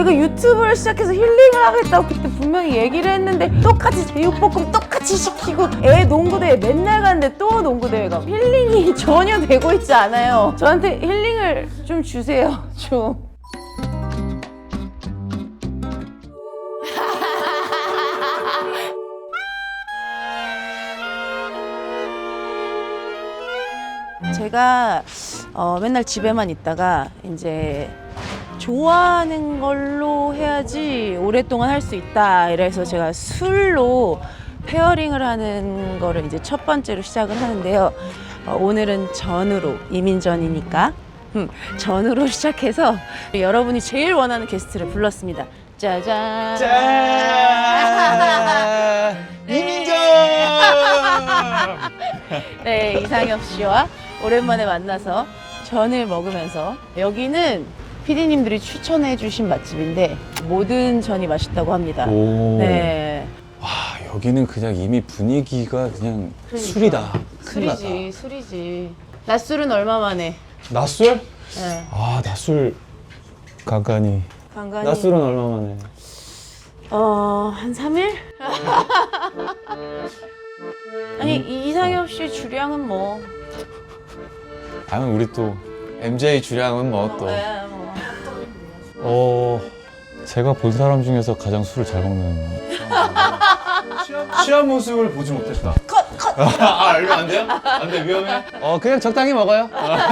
내가 유튜브를 시작해서 힐링을 하겠다고 그때 분명히 얘기를 했는데 똑같이 제육볶음 똑같이 시키고 애 농구대회 맨날 가는데 또 농구대회 가고 힐링이 전혀 되고 있지 않아요. 저한테 힐링을 좀 주세요. 좀. 제가 맨날 집에만 있다가 이제 좋아하는 걸로 해야지 오랫동안 할 수 있다 이래서 제가 술로 페어링을 하는 거를 이제 첫 번째로 시작을 하는데요. 오늘은 전으로, 이민전이니까 전으로 시작해서 여러분이 제일 원하는 게스트를 불렀습니다. 짜잔! 짠! 이민정! 네, 이상엽 씨와 오랜만에 만나서 전을 먹으면서 여기는 피디님들이 추천해 주신 맛집인데 모든 전이 맛있다고 합니다. 오. 네. 와, 여기는 그냥 이미 분위기가 그냥 그러니까. 술이다. 큰일 났다. 술이지, 술이지. 낮술은 얼마 만에? 낮술? 네. 아, 낮술 간간히. 간간히. 낮술은 얼마 만에? 한 3일? 아니, 이상엽 씨 주량은 뭐. 아니, 우리 또 MJ 주량은 뭐 또. 네, 뭐. 제가 본 사람 중에서 가장 술을 잘 먹는. 취한 모습을 보지 못했다. 컷! 아, 이거 안 돼요? 안 돼, 위험해. 그냥 적당히 먹어요.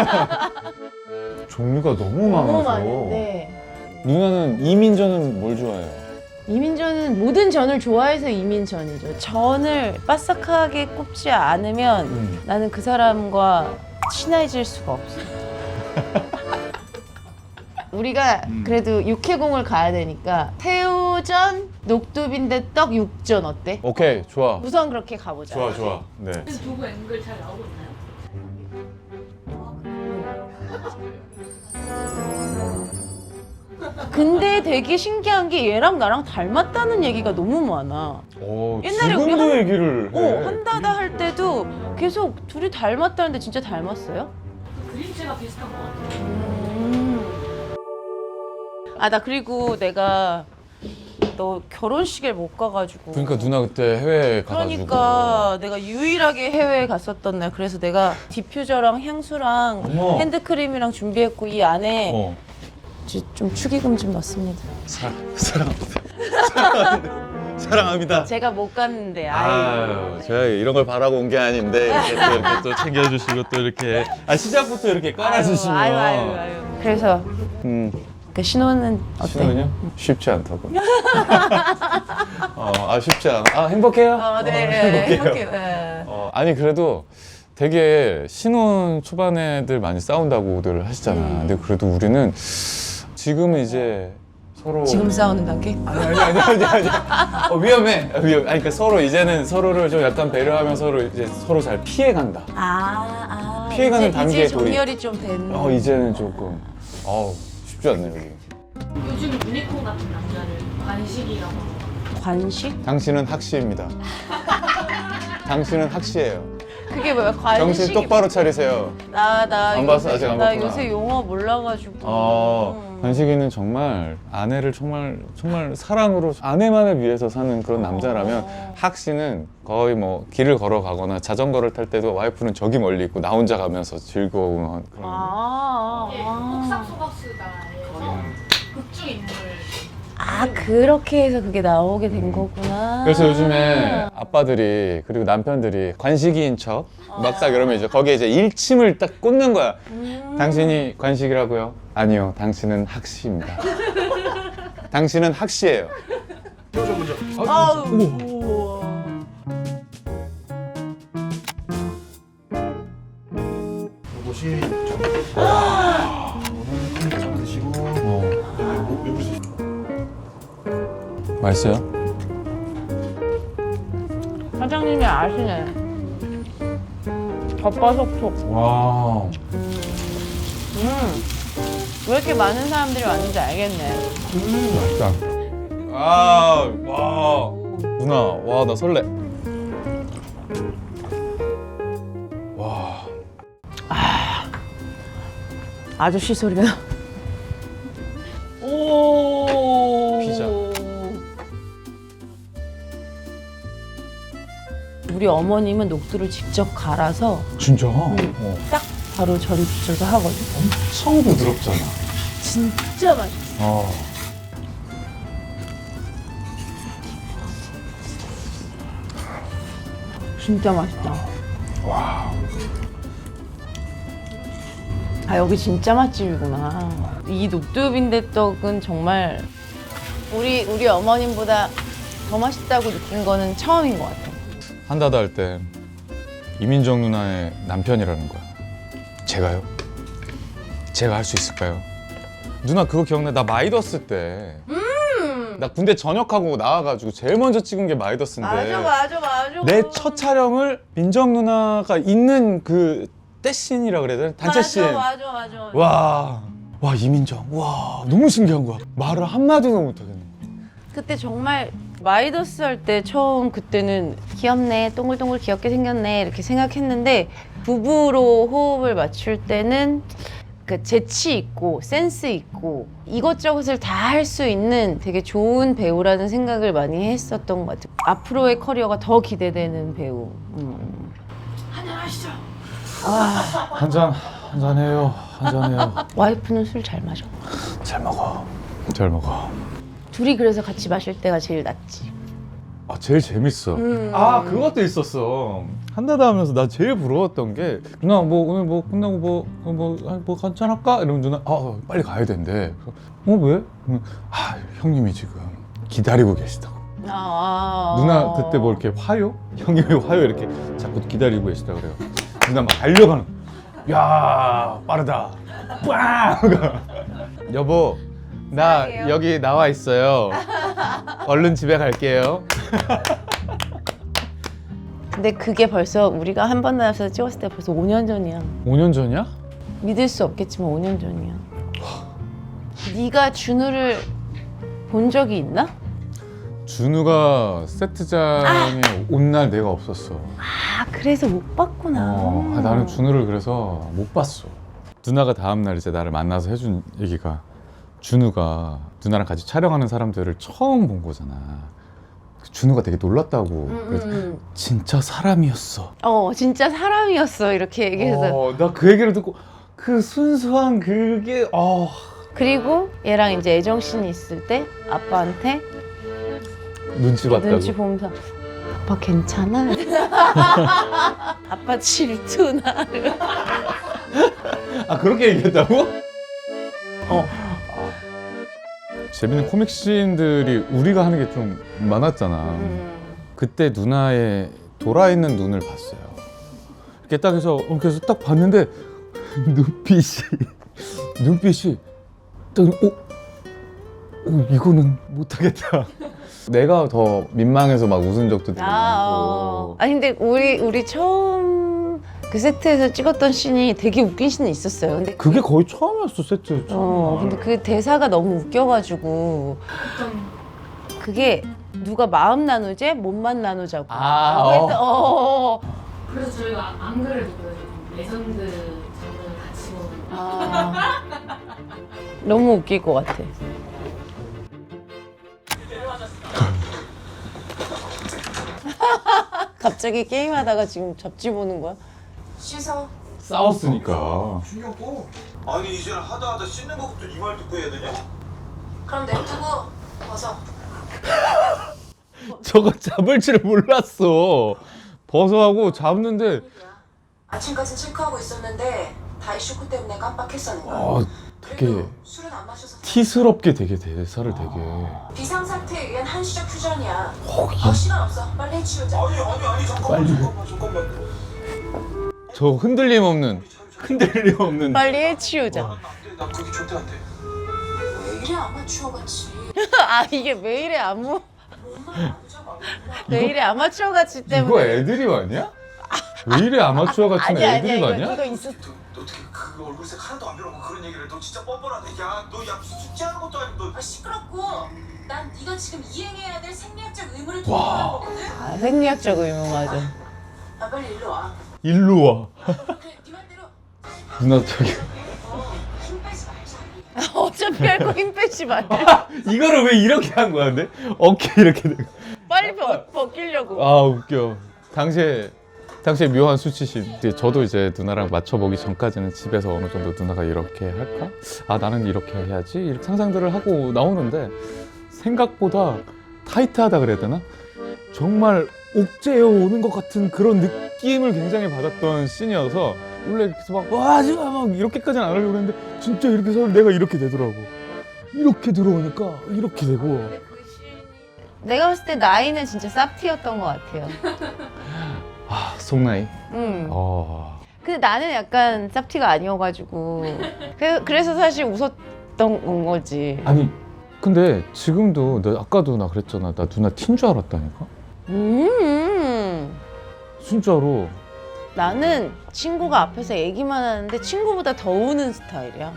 종류가 너무 너무 많아서. 많은데. 누나는 이민전은 뭘 좋아해요? 이민전은 모든 전을 좋아해서 이민전이죠. 전을 바삭하게 굽지 않으면 나는 그 사람과 친해질 수가 없어. 우리가 그래도 육해공을 가야 되니까 새우전, 녹두빈대떡, 육전 어때? 오케이, 좋아. 우선 그렇게 가보자. 좋아, 좋아. 네. 두부 앵글 잘 나오고 있나요? 근데 되게 신기한 게 얘랑 나랑 닮았다는 얘기가 너무 많아. 옛날에 우리 지금도 얘기를 해. 한다다 할 때도 계속 둘이 닮았다는데 진짜 닮았어요? 그림체가 비슷한 것 같아요. 나 그리고 내가 너 결혼식에 못 가가지고. 그러니까 누나 그때 해외에 가가지고. 그러니까 내가 유일하게 해외에 갔었던 날. 그래서 내가 디퓨저랑 향수랑 어머. 핸드크림이랑 준비했고 이 안에 좀 축의금 좀 넣습니다. 사랑합니다. 사랑합니다. 제가 못 갔는데. 아유, 제가 이런 걸 바라고 온 게 아닌데 이렇게 또 챙겨주시고 또 이렇게 시작부터 이렇게 깔아주시면. 아유. 그래서 그 신혼은 어때? 신혼은요? 쉽지 않다고. 쉽지 않아. 행복해요? 네. 행복해요. 네. 아니 그래도 되게 신혼 초반에들 많이 싸운다고들 하시잖아. 근데 그래도 우리는 지금은 이제 서로 지금 싸우는 단계? 아니. 위험해. 아니 그러니까 서로 이제는 서로를 좀 약간 배려하면 서로 이제 서로 잘 피해간다. 피해가는 단계에 이제 정렬이 좀 된. 이제는 조금 쉽지 않네 여기. 요즘 유니콘 같은 남자를 관식이라고 하고. 관식? 당신은 학시입니다. 당신은 학시예요. 그게 뭐야? 관식이? 정신 똑바로 차리세요. 나 봤어? 아직 안 나 봤구나. 요새 용어 몰라가지고. 관식이는 정말 아내를 정말 사랑으로 아내만을 위해서 사는 그런 남자라면 학시는 거의 뭐 길을 걸어가거나 자전거를 탈 때도 와이프는 저기 멀리 있고 나 혼자 가면서 즐거운 그런. 폭삭소가수다에서 극중 인물. 그렇게 해서 그게 나오게 된 거구나. 그래서 요즘에 아빠들이 그리고 남편들이 관식이인 척 막 딱 이러면 이제 거기에 이제 일침을 딱 꽂는 거야. 당신이 관식이라고요? 아니요, 당신은 학시입니다. 당신은 학시예요. 요것이 좀 드시고 맛있어요? 사장님이 아시네. 겉바속촉. 와. 왜 이렇게 많은 사람들이 왔는지 알겠네. 맛있다. 와. 누나, 와, 나 설레. 와. 아저씨 소리가. 오. 우리 어머님은 녹두를 직접 갈아서 진짜? 딱 바로 절여서 하거든. 엄청 부드럽잖아. 진짜 맛있어. 진짜 맛있다. 와. 아, 여기 진짜 맛집이구나. 이 녹두 빈대떡은 정말 우리 어머님보다 더 맛있다고 느낀 거는 처음인 것 같아. 한다다 할 때 이민정 누나의 남편이라는 거야. 제가요? 제가 할 수 있을까요? 누나 그거 기억나? 나 마이더스 때. 나 군대 전역하고 나와가지고 제일 먼저 찍은 게 마이더스인데. 맞아. 내 첫 촬영을 민정 누나가 있는 그 떼씬이라 그래야 되나? 단체 씬. 맞아. 와 이민정. 와 너무 신기한 거야. 말을 한마디도 못하겠네. 그때 정말 마이더스 할 때 처음 그때는 귀엽네, 동글동글 귀엽게 생겼네 이렇게 생각했는데 부부로 호흡을 맞출 때는 그 재치 있고 센스 있고 이것저것을 다 할 수 있는 되게 좋은 배우라는 생각을 많이 했었던 것 같아요. 앞으로의 커리어가 더 기대되는 배우. 한잔하시죠. 한잔해요. 와이프는 술 잘 마셔. 잘 먹어. 둘이 그래서 같이 마실 때가 제일 낫지. 아 제일 재밌어. 아 그것도 있었어. 한다다 하면서 나 제일 부러웠던 게 누나 뭐 오늘 뭐 끝나고 뭐 한잔 할까? 이러면 누나 빨리 가야 된대. 왜? 형님이 지금 기다리고 계시다고. 누나 그때 뭐 이렇게 화요? 형님이 화요 이렇게 자꾸 기다리고 계시다 그래요. 누나 막 달려가는. 야 빠르다. 빵. 여보 나 여기 나와 있어요. 얼른 집에 갈게요. 근데 그게 벌써 우리가 한 번 나와서 찍었을 때 벌써 5년 전이야. 5년 전이야? 믿을 수 없겠지만 5년 전이야. 네가 준우를 본 적이 있나? 준우가 세트장에 온 날 내가 없었어. 그래서 못 봤구나. 나는 준우를 그래서 못 봤어. 누나가 다음날 이제 나를 만나서 해준 얘기가 준우가 누나랑 같이 촬영하는 사람들을 처음 본 거잖아. 준우가 되게 놀랐다고. 그래서 진짜 사람이었어. 진짜 사람이었어 이렇게 얘기해서. 나 그 얘기를 듣고 그 순수한 그게 그리고 얘랑 이제 애정씬이 있을 때 아빠한테 눈치 봤다고. 눈치 보면서 아빠 괜찮아? 아빠 질투나? 그렇게 얘기했다고? 재밌는 코믹 씬들이 우리가 하는 게 좀 많았잖아. 그때 누나의 돌아있는 눈을 봤어요. 이렇게 딱 해서 그래서 딱 봤는데 눈빛이 딱 이거는 못하겠다. 내가 더 민망해서 막 웃은 적도 되게 많고. 아니 근데 우리 처음 그 세트에서 찍었던 씬이 되게 웃긴 씬이 있었어요. 근데 그게 거의 처음이었어 세트. 근데 그 대사가 너무 웃겨가지고 그게 누가 마음 나누재 몸만 나누자고. 그래서 저희가 안 그래도 그래요. 레전드 장면을 같이 보는 너무 웃길 것 같아. 갑자기 게임하다가 지금 잡지 보는 거야? 씻어. 싸웠으니까. 신경 꺼. 아니 이제 하다 씻는 것부터 이 말 듣고 해야 되냐? 그럼 냅두고 벗어. 저거 잡을 줄 몰랐어. 버섯하고 잡는데 아침까지 체크하고 있었는데 다이 쇼크 때문에 깜빡했었는 거야. 되게 그래도 술은 안 마셔서 티스럽게 되게 대사를 되게. 비상 사태에 의한 한시적 퓨전이야. 시간 없어. 빨리 해치우자. 아니 잠깐만. 저 흔들림 없는 빨리 해치우자. 나 그게 절대 안 돼. 왜 이래 아마추어 같이. 이게 왜 이래 왜 이래 아마추어 같이 때문에. 이거 애드립 아니야? 왜 이래 아마추어 같은 애드립 아니야? 이거 있어. 너 어떻게 그 얼굴색 하나도 안 변하고 그런 얘기를 너 진짜 뻔뻔하네. 너 무슨 숙제하는 것도 아니고 너. 시끄럽고 난 네가 지금 이행해야 될 생리학적 의무를 기억하는 거거든. 생리학적 의무 맞아. 빨리 일로 와. 일로 와. 그래 네 말대로 누나 저기 힘 빼지 말자. 어차피 할 거 힘 빼지 마. 이거를 왜 이렇게 한 거야 근데? 어깨 이렇게 되고. 빨리 벗기려고. 웃겨. 당시에 묘한 수치심. 이제 저도 이제 누나랑 맞춰보기 전까지는 집에서 어느 정도 누나가 이렇게 할까? 아 나는 이렇게 해야지 이렇게 상상들을 하고 나오는데 생각보다 타이트하다 그래야 되나? 정말 옥죄어 오는 것 같은 그런 느낌을 굉장히 받았던 씬이어서 원래 이렇게 해서 막 와 하지마 막 이렇게까지는 안 하려고 했는데 진짜 이렇게 해서 내가 이렇게 되더라고. 이렇게 들어오니까 이렇게 되고. 내가 봤을 때 나이는 진짜 쌉티였던 것 같아요. 아 속나이. 근데 나는 약간 쌉티가 아니어가지고 그래서 사실 웃었던 건 거지. 아니 근데 지금도 나 아까도 나 그랬잖아. 나 누나 틴 줄 알았다니까. 진짜로. 나는 친구가 앞에서 얘기만 하는데 친구보다 더 우는 스타일이야.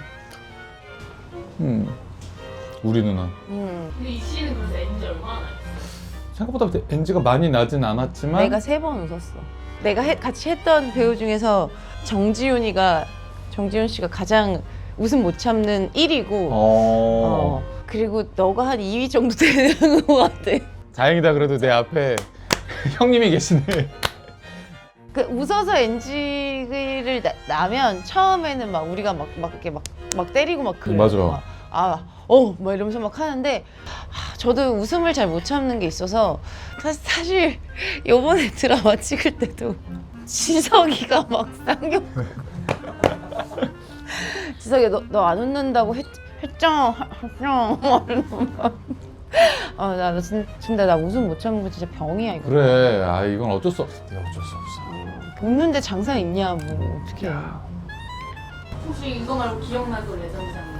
우리 누나. 근데 이 씨는 그래서 엔지 얼마나 나요? 생각보다 NG가 많이 나진 않았지만 내가 3번 웃었어. 내가 같이 했던 배우 중에서 정지훈 씨가 가장 웃음 못 참는 1위고 그리고 너가 한 2위 정도 되는 것 같아. 다행이다. 그래도 내 앞에 형님이 계시네. 그 웃어서 NG를 나면 처음에는 막 우리가 막 이렇게 막 때리고 막 그래. 맞아. 막 이러면서 막 하는데 저도 웃음을 잘 못 참는 게 있어서 사실 요번에 드라마 찍을 때도 지석이가 막 쌍욕 지석이 너 안 웃는다고 했죠? 막 이러면서 나 진짜 나 웃음 못 참는 거 진짜 병이야 이거. 그래. 아 이건 어쩔 수 없어. 내가 어쩔 수 없어. 웃는데 장사 있냐 뭐 어떻게 해. 혹시 이거 말고 기억나는 레전드 장면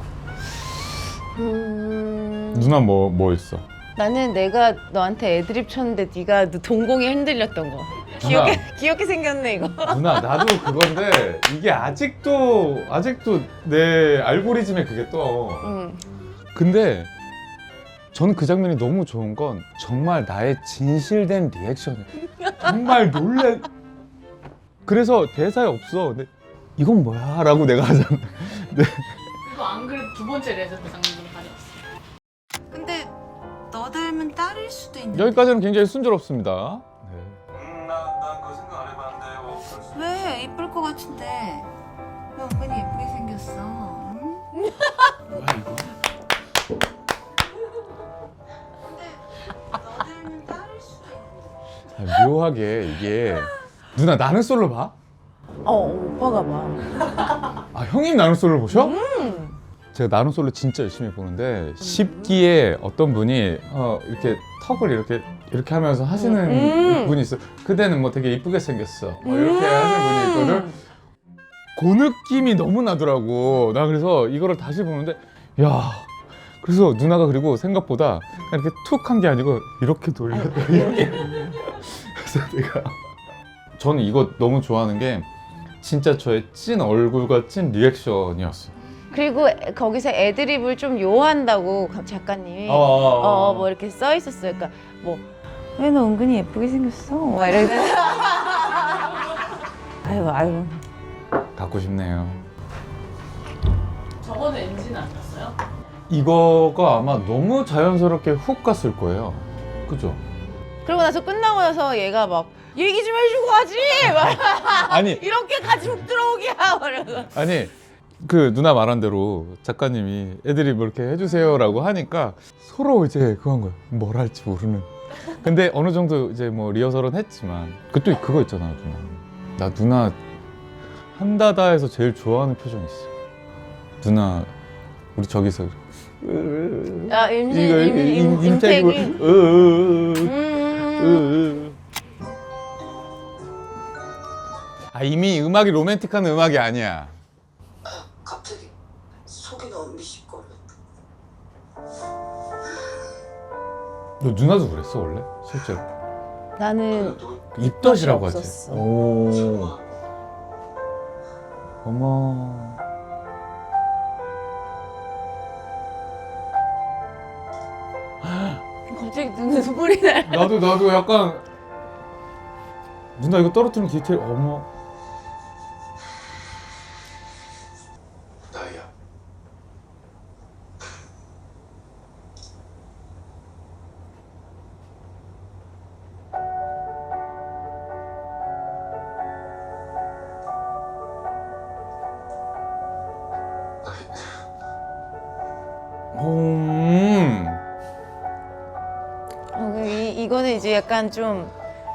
있으세요? 누나 뭐 있어? 나는 내가 너한테 애드립 쳤는데 네가 동공이 흔들렸던 거. 귀엽게 생겼네 이거. 누나 나도 그건데 이게 아직도 내 알고리즘에 그게 떠. 근데 저는 그 장면이 너무 좋은 건 정말 나의 진실된 리액션이야. 정말 놀래. 그래서 대사에 없어. 근데 이건 뭐야? 라고 내가 하잖아. 네. 이거 안 그래도 두 번째 레전드 장면으로 가져왔어요. 근데 너 닮은 딸일 수도 있는데. 여기까지는 굉장히 순조롭습니다. 네. 난 그거 생각 안 해봤는데 그럴 수 왜 이쁠 것 같은데? 너 은근히 예쁘게 생겼어. 응? 뭐야 이거? 너 닮은 딸일 수도 있는데. 묘하게 이게 누나 나는 솔로 봐? 오빠가 봐. 아 형님 나는 솔로 보셔? 제가 나는 솔로 진짜 열심히 보는데 10기에 어떤 분이 이렇게 턱을 이렇게 하면서 하시는 분이 있어. 그대는 뭐 되게 이쁘게 생겼어. 뭐 이렇게 하시는 분이 있거든. 그 느낌이 너무 나더라고. 나 그래서 이거를 다시 보는데 야. 그래서 누나가 그리고 생각보다 그냥 이렇게 툭 한 게 아니고 이렇게 돌렸다. 이렇게. 그래서 내가 저는 이거 너무 좋아하는 게 진짜 저의 찐 얼굴과 찐 리액션이었어. 그리고 거기서 애드립을 좀 요한다고 작가님이 뭐 이렇게 써 있었어요. 그러니까 뭐 왜 너 은근히 예쁘게 생겼어? 막 이러고. 아이고. 갖고 싶네요. 저거는 엔지는 안 났어요? 이거가 아마 너무 자연스럽게 훅 갔을 거예요. 그죠? 그러고 나서 끝나고 나서 얘가 막 얘기 좀 해주고 하지. 막 아니 이렇게까지 훅 들어오기야. 말하고. 아니 그 누나 말한 대로 작가님이 애들이 뭐 이렇게 해주세요라고 하니까 서로 이제 그거 한 거야. 뭘 할지 모르는. 근데 어느 정도 이제 뭐 리허설은 했지만 그또 그거 있잖아 누나. 나 누나 한다다에서 제일 좋아하는 표정 있어. 누나 우리 저기서 임태기. 아 이미 음악이 로맨틱한 음악이 아니야. 갑자기 속이 너무 미식거려. 너 누나도 그랬어 원래 실제로? 나는 입덧이라고 하지. 없었어. 오. 어머. 갑자기 눈물이 나. 나도 약간 누나 이거 떨어뜨리는 디테일 어머. 나야. 이거는 이제 약간 좀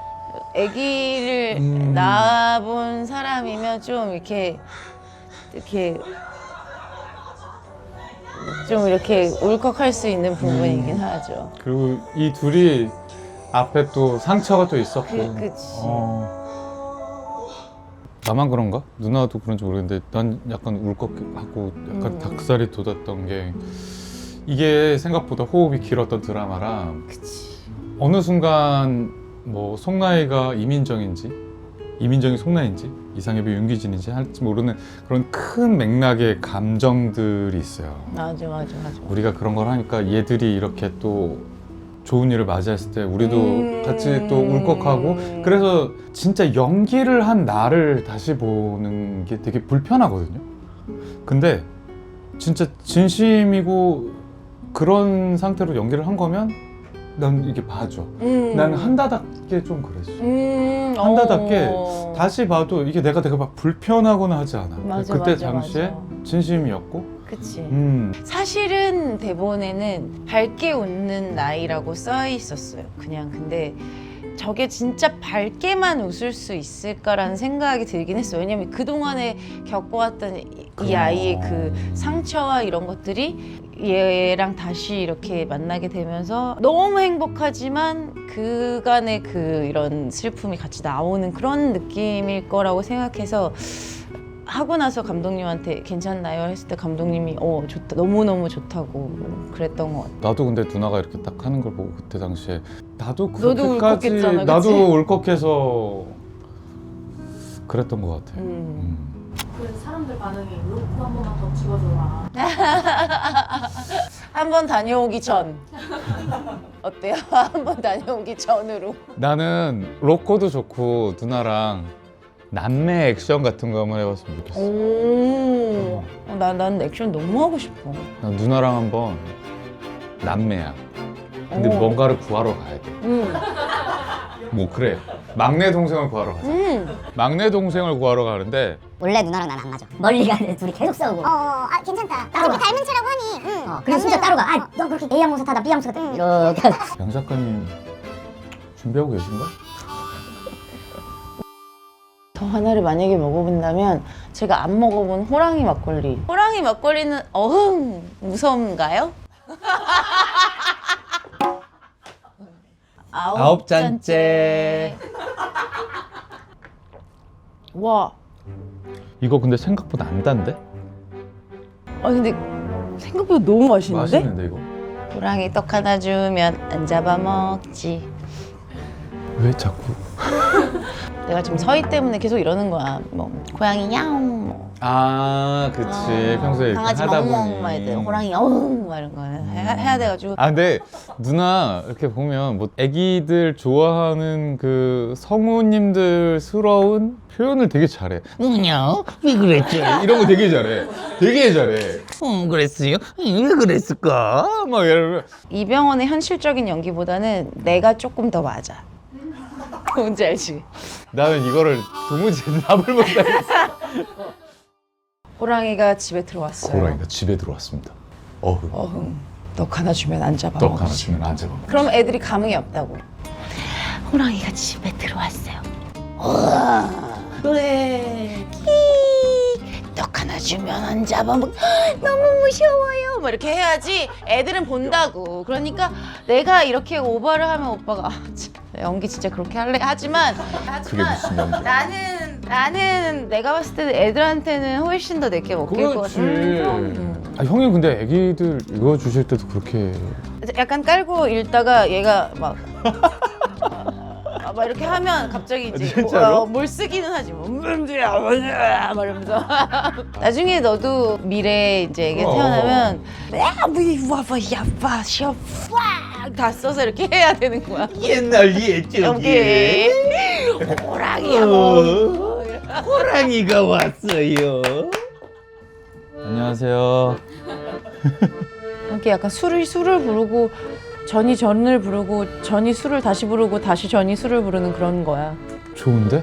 아기를 낳아본 사람이면 좀 이렇게 좀 이렇게 울컥할 수 있는 부분이긴 하죠. 그리고 이 둘이 앞에 또 상처가 또 있었고. 그치. 나만 그런가? 누나도 그런지 모르겠는데 난 약간 울컥하고 약간 닭살이 돋았던 게 이게 생각보다 호흡이 길었던 드라마라 그치. 어느 순간 뭐 송나이가 이민정인지 이민정이 송나인지 이상엽이 윤기진인지 할지 모르는 그런 큰 맥락의 감정들이 있어요. 맞아. 우리가 그런 걸 하니까 얘들이 이렇게 또 좋은 일을 맞이했을 때 우리도 같이 또 울컥하고 그래서 진짜 연기를 한 나를 다시 보는 게 되게 불편하거든요. 근데 진짜 진심이고 그런 상태로 연기를 한 거면 난 이게 봐줘. 난 한다답게 좀 그랬어. 한다답게 다시 봐도 이게 내가 막 불편하거나 하지 않아. 맞아, 그때 맞아, 당시에 맞아. 진심이었고 그치. 사실은 대본에는 밝게 웃는 나이라고 써 있었어요. 그냥 근데 저게 진짜 밝게만 웃을 수 있을까라는 생각이 들긴 했어요. 왜냐면 그동안에 겪어왔던 이 아이의 그 상처와 이런 것들이 얘랑 다시 이렇게 만나게 되면서 너무 행복하지만 그간의 그 이런 슬픔이 같이 나오는 그런 느낌일 거라고 생각해서 하고 나서 감독님한테 괜찮나요? 했을 때 감독님이 좋다, 너무너무 좋다고 그랬던 것 같아요. 나도 근데 누나가 이렇게 딱 하는 걸 보고 그때 당시에 나도 너도 그렇게까지 울컥했잖아, 그치? 나도 울컥해서 그랬던 것 같아. 그래서 사람들 반응이 로프 한 번만 더 찍어줘라. 한 번 다녀오기 전 어때요? 한 번 다녀오기 전으로. 나는 로코도 좋고 누나랑 남매 액션 같은 거 한번 해봤으면 좋겠어. 난 액션 너무 하고 싶어. 난 누나랑 한번 남매야. 근데 뭔가를 구하러 가야 돼. 뭐 그래. 막내 동생을 구하러 가자. 막내 동생을 구하러 가는데 원래 누나랑 나는 안 맞아. 멀리 가는데 둘이 계속 싸우고. 괜찮다. 어차피 닮은 체라고 하니. 그래서 진짜 따로 가. 너 그렇게 A 항공사 타다 B 항공사 타다 이렇게. 하고. 양 작가님 준비하고 계신가? 더 하나를 만약에 먹어본다면 제가 안 먹어본 호랑이 막걸리. 호랑이 막걸리는 무서운가요? 아홉 잔째. 와. 이거 근데 생각보다 안 단데? 근데 생각보다 너무 맛있는데? 맛있는데 이거? 호랑이 떡 하나 주면 안 잡아먹지. 왜 자꾸? 내가 지금 서희 때문에 계속 이러는 거야. 뭐 고양이 야옹, 뭐 아, 그치. 평소에 이렇게 강아지 하다 멍멍 막 이래. 보니. 호랑이 어흥 막 이런 거 해야 돼가지고. 아, 근데 누나 이렇게 보면 뭐 애기들 좋아하는 그 성우님들스러운 표현을 되게 잘해. 누냐? 왜 그랬지? 이런 거 되게 잘해. 되게 잘해. 그랬어요? 왜 그랬을까? 막 이러면 이병헌의 현실적인 연기보다는 내가 조금 더 맞아. 뭔지 알지? 나는 이거를 도무지 답을 못 하겠어. 호랑이가 집에 들어왔어요. 호랑이가 집에 들어왔습니다. 어흥. 떡 하나 주면 안 잡아. 떡 하나 주면 안 잡아. 그럼 애들이 감흥이 없다고. 호랑이가 집에 들어왔어요. 그래. 떡 하나 주면 안 잡아먹. 너무 무서워요. 뭐 이렇게 해야지 애들은 본다고. 그러니까 내가 이렇게 오버를 하면 오빠가 연기 진짜 그렇게 할래? 하지만 그게 무슨 연기야? 나는 내가 봤을 때는 애들한테는 훨씬 더 내게 먹힐 것 같아. 아, 형이 근데 애기들 이거 주실 때도 그렇게 약간 깔고 읽다가 얘가 막 이렇게 하면 갑자기 이제 진짜로? 뭘 쓰기는 하지 뭐. 막 이러면서 나중에 너도 미래에 이제 애기 태어나면 다 써서 이렇게 해야 되는 거야. 옛날 옛적에 여기 호랑이야 뭐. 호랑이가 왔어요. 안녕하세요. 이렇게 약간 술을 부르고 전이 전을 부르고 전이 술을 다시 부르고 다시 전이 술을 부르는 그런 거야. 좋은데?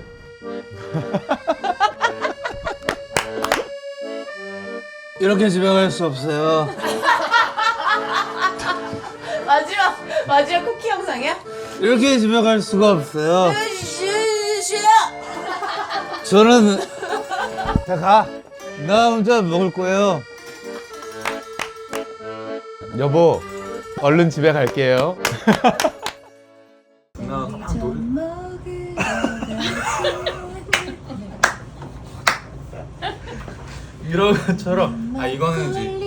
이렇게 집에 갈 수 없어요. 마지막 쿠키 영상이야? 이렇게 집에 갈 수가 없어요. 저는 자 가. 나 혼자 먹을 거예요. 여보, 얼른 집에 갈게요. 이런 것처럼. 아, 이거는 이제